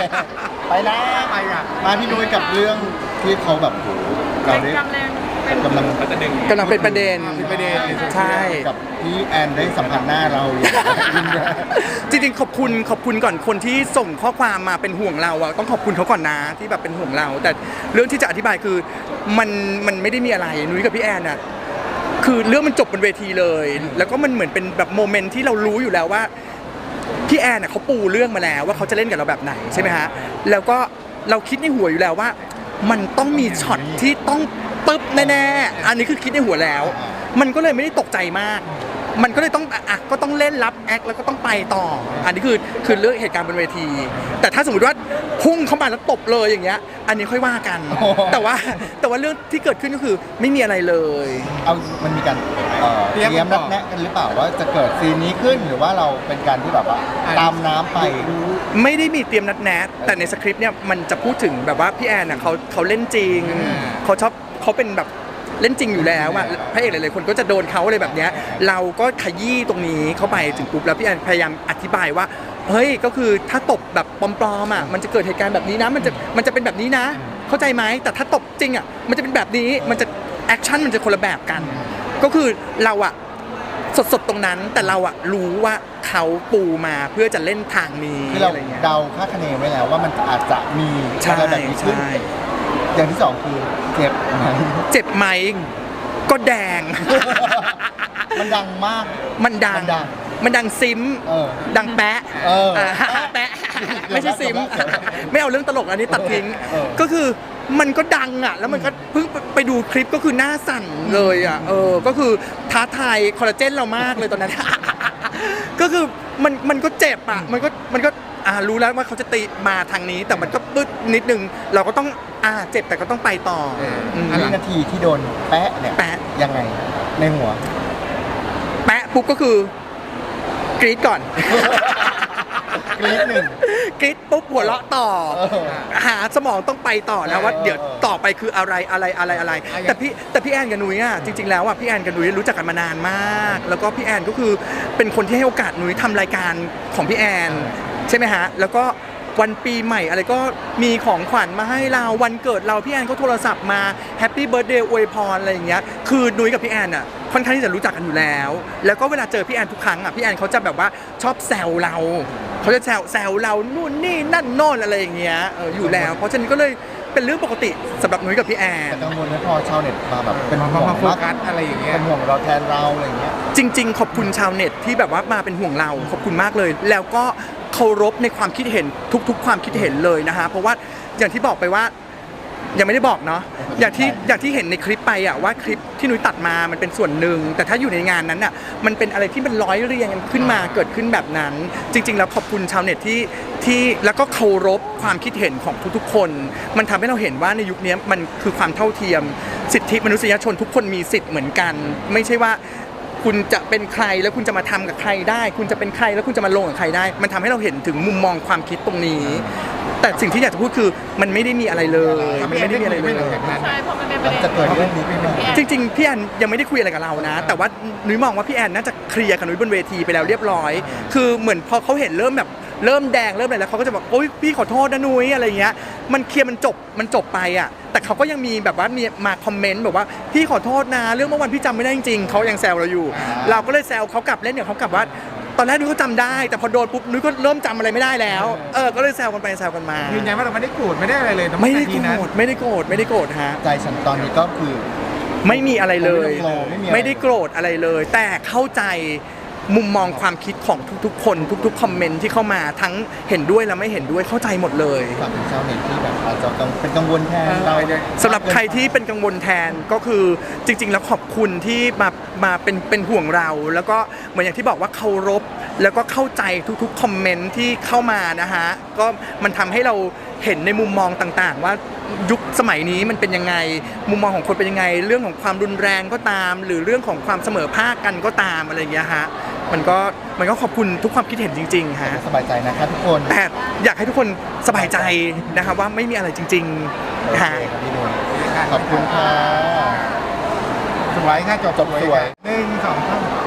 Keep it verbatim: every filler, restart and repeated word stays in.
ไปนะไปอ่ะมาพี่นุ้ยกับเรื่องที่เขาแบบโหเราได้กำลังกำลังกำลังเป็นประเด็นเป็นประเด็นใช่กับพี่แอนได้สัมผัสหน้าเราอย่างยิ่งใหญ่จริงๆขอบคุณขอบคุณก่อนคนที่ส่งข้อความมาเป็นห่วงเราอะต้องขอบคุณเขาก่อนนะที่แบบเป็นห่วงเรา แต่เรื่องที่จะอธิบายคือมันมันไม่ได้มีอะไรนุ้ยกับพี่แอนอะคือเรื่องมันจบบนเวทีเลย แล้วก็มันเหมือนเป็นแบบโมเมนต์ที่เรารู้อยู่แล้วว่าพี่แอนน่ะเขาปูเรื่องมาแล้วว่าเขาจะเล่นกับเราแบบไหนใช่ไหมฮะแล้วก็เราคิดในหัวอยู่แล้วว่า มันต้องมีช็อตที่ต้องปึ๊บแน่ๆอันนี้คือคิดในหัวแล้ว มันก็เลยไม่ได้ตกใจมาก มันก็เลยต้องอ่ะก็ต้องเล่นรับแอคแล้วก็ต้องไปต่อ อันนี้คือคือเรื่องเหตุการณ์บนเวที แต่ถ้าสมมติว่าพุ่งเข้ามาแล้วตบเลยอย่างเงี้ย อันนี้ค่อยว่ากัน แต่ว่าแต่ว่าเรื่องที่เกิดขึ้นก็คือไม่มีอะไรเลยเอามันมีการเอ่อเตรียมนัดแนะกันหรือเปล่าว่าจะเกิดซีนนี้ขึ้นหรือว่าเราเป็นการที่แบบว่าตามน้ำไปไม่ได้มีเตรียมนัดแนะแต่ในสคริปต์เนี่ยมันจะพูดถึงแบบว่าพี่แอนน่ะเขาเขาเล่นจริงเขาชอบเขาเป็นแบบเล่นจริงอยู่แล้วอะพระเอกหลายๆคนก็จะโดนเขาอะไรแบบเนี้ยเราก็ขยี้ตรงนี้เข้าไปถึงปุ๊บแล้วพี่แอนพยายามอธิบายว่าเฮ้ยก็คือถ้าตบแบบปลอมๆอะมันจะเกิดเหตุการณ์แบบนี้นะมันจะมันจะเป็นแบบนี้นะ เข้าใจไหมแต่ถ้าตบจริงอะมันจะเป็นแบบนี้มันจะแอคชั่นมันจะคนละแบบกัน ก็คือเราอะสดๆตรงนั้นแต่เราอะรู้ว่าเขาปูมาเพื่อจะเล่นทางนี้ที่เราอะไรเงี้ยเดาคาดคะเนไว้แล้วว่ามันอาจจะมีอะไรแบบนี้ขึ้นใช่อย่างที่สองคือเจ็บไหมเจ็บไหมก็แดงมันดังมากมันดังมันดังมันดังซิมเออดังแปะเอออ่าแปะ ไม่ใช่ซิม ไม่เอาเรื่องตลกอันนี้ตัดทิ้งเออก็คือมันก็ดังอ่ะ แล้วมันก็เพิ่งไปดูคลิปก็คือหน้าสั่นเลยอ่ะ เออ ก็คือท้าทายคอลลาเจนเรามากเลยตอนนั้น ก็คือมันมันก็เจ็บอ่ะ มันก็มันก็อ่ารู้แล้วว่าเขาจะตีมาทางนี้ แต่มันก็ปึ๊ดนิดนึง เราก็ต้องอ่าเจ็บแต่ก็ต้องไปต่ออืมวินาทีที่โดนแปะเนี่ยแปะยังไงในหัวแปะปุ๊บก็คือกรี๊ดก่อนกรี๊ดหนึ่งกรี๊ดปุ๊บหัวเราะต่อเออหาสมองต้องไปต่อนะว่าเออเดี๋ยวต่อไปคืออะไรอะไรอะไรอะไร แต่พี่แต่พี่แอนกับนุ้ยอ่ะจริงๆแล้วอ่ะพี่แอนกับนุ้ยรู้จักกันมานานมาก แล้วก็พี่แอนก็คือเป็นคนที่ให้โอกาสนุ้ยทำรายการของพี่แอนใช่ไหมฮะแล้วก็วันปีใหม่อะไรก็มีของขวัญมาให้เราวันเกิดเราพี่แอนก็โทรศัพท์มาแฮปปี้เบิร์ธเดย์อวยพรอะไรอย่างเงี้ยคือนุ้ยกับพี่แอนอ่ะค่อนข้างที่จะรู้จักกันอยู่แล้ว แล้วก็เวลาเจอพี่แอนทุกครั้งอ่ะพี่แอนเขาจะแบบว่าชอบแซวเราเขาจะแซวแซวเรานู่นนี่นั่นโน่นอะไรอย่างเงี้ยเอออยู่แล้ว เพราะฉะนั้นก็เลยเป็นเรื่องปกติสำหรับนุ้ยกับพี่แอนแต่กังวลไหมพอชาวเน็ตมาแบบเป็นห่วงมาโฟกัสอะไรอย่างเงี้ยเป็นห่วงเราแทนเราอะไรอย่างเงี้ยจริงๆ ขอบคุณชาวเน็ตที่แบบว่ามาเป็นห่วงเราขอบคุณมากเลย แล้วก็เคารพในความคิดเห็นทุกๆ ความคิดเห็นเลยนะฮะเพราะว่าอย่างที่บอกไปว่ายังไม่ได้บอกเนาะอย่างที่อย่างที่เห็นในคลิปไปอะว่าคลิปที่นุ้ยตัดมามันเป็นส่วนหนึ่งแต่ถ้าอยู่ในงานนั้นอะมันเป็นอะไรที่มันร้อยเรียงกันขึ้นมาเกิดขึ้นแบบนั้น จริง ๆ แล้วขอบคุณชาวเน็ตที่ที่แล้วก็เคารพความคิดเห็นของทุกๆ คน มันทำให้เราเห็นว่าในยุคนี้มันคือความเท่าเทียมสิทธิมนุษยชนทุกคนมีสิทธิ์เหมือนกัน ไม่ใช่ว่าคุณจะเป็นใครแล้วคุณจะมาทำกับใครได้ คุณจะเป็นใครแล้วคุณจะมาลงกับใครได้ มันทำให้เราเห็นถึงมุมมองความคิดตรงนี้ แต่สิ่งที่อยากจะพูดคือมันไม่ได้มีอะไรเลยมันไม่ได้มีอะไรเลยใช่เพราะมันเป็นประเด็นจะเกิดเรื่องนี้ขึ้นมาจริงๆพี่แอนยังไม่ได้คุยอะไรกับเรานะ แต่ว่านุ้ยมองว่าพี่แอนน่าจะเคลียร์กับนุ้ยบนเวทีไปแล้วเรียบร้อย คือเหมือนพอเขาเห็นเริ่มแบบเริ่มแดงเริ่มอะไรแล้วเขาก็จะบอกโอ๊ยพี่ขอโทษนะนุ้ยอะไรเงี้ยมันเคลียร์มันจบมันจบไปอ่ะแต่เขาก็ยังมีแบบว่ามีมาคอมเมนต์แบบว่าพี่ขอโทษนะเรื่องเมื่อวันพี่จำไม่ได้จริงๆเขายังแซวเราอยู่ เราก็เลยแซวเขากลับเล่นเนี่ยเขากลับว่าตอนแรกนุ้ยก็จำได้ แต่พอโดนปุ๊บนุ้ยก็เริ่มจำอะไรไม่ได้แล้วเออก็เลยแซวกันไปแซวกันมายืนยันว่าเราไม่ได้โกรธไม่ได้อะไรเลยไม่ได้ทีโกนั้นรธไม่ได้โกรธไม่ได้โกรธฮะใจฉันตอนนี้ก็คือไม่มีอะไรเลยไม่ต้องโกรธไม่มีอะไรไม่ได้โกรธอะไรเลย แต่เข้าใจมุมมองความคิดของทุกๆ คนทุกๆคอมเมนต์ที่เข้ามาทั้งเห็นด้วยและไม่เห็นด้วยเข้าใจหมดเลยฝากถึงชาวเน็ตที่แบบอาจจะกังเป็นกังวลแทนเราสำหรับใครที่เป็นกังวลแทนก็คือจริง ๆ แล้วขอบคุณที่มามาเป็นเป็นห่วงเรา แล้วก็เหมือนอย่างที่บอกว่าเคารพแล้วก็เข้าใจทุกๆคอมเมนต์ที่เข้ามานะฮะก็มันทำให้เราเห็นในมุมมองต่างๆ ว่ายุคสมัยนี้มันเป็นยังไงมุมมองของคนเป็นยังไง เรื่องของความรุนแรงก็ตาม หรือเรื่องของความเสมอภาคกันก็ตามอะไรอย่างเงี้ยฮะมันก็มันก็ขอบคุณทุกความคิดเห็นจริงๆฮะสบายใจนะครับทุกคนแต่อยากให้ทุกคนสบายใจนะครับว่าไม่มีอะไรจริงโอๆเคฮะครับพี่นุ่นขอบคุณค่ะสวยค่ะจบจบสวยหนึ่งสองสาม